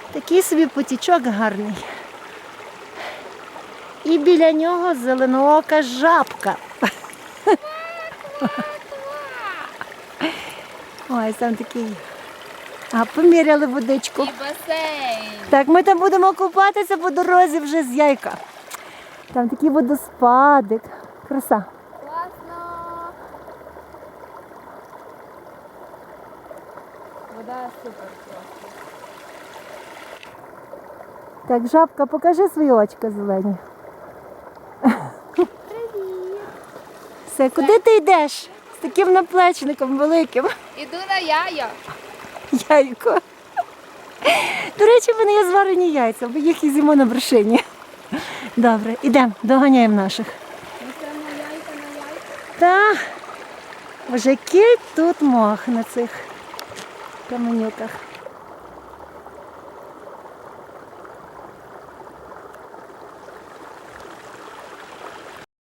Такий собі потічок гарний. І біля нього зеленоока жабка. Ой, там такий. А, поміряли водичку. І басейн. Так, ми там будемо купатися по дорозі вже з Яйка. Там такий водоспадик. Краса. Класно. Вода супер просто. Так, жабка, покажи свої очка зелені. Привіт. Все, куди ти йдеш? З таким наплечником великим. Іду на яя. Яйко. До речі, в мене є зварені яйця, бо їх і з'їмо на вершині. Добре, ідемо, доганяємо наших. Ми прямо яйка на яйка. Та, боже, який тут мох на цих каменюках.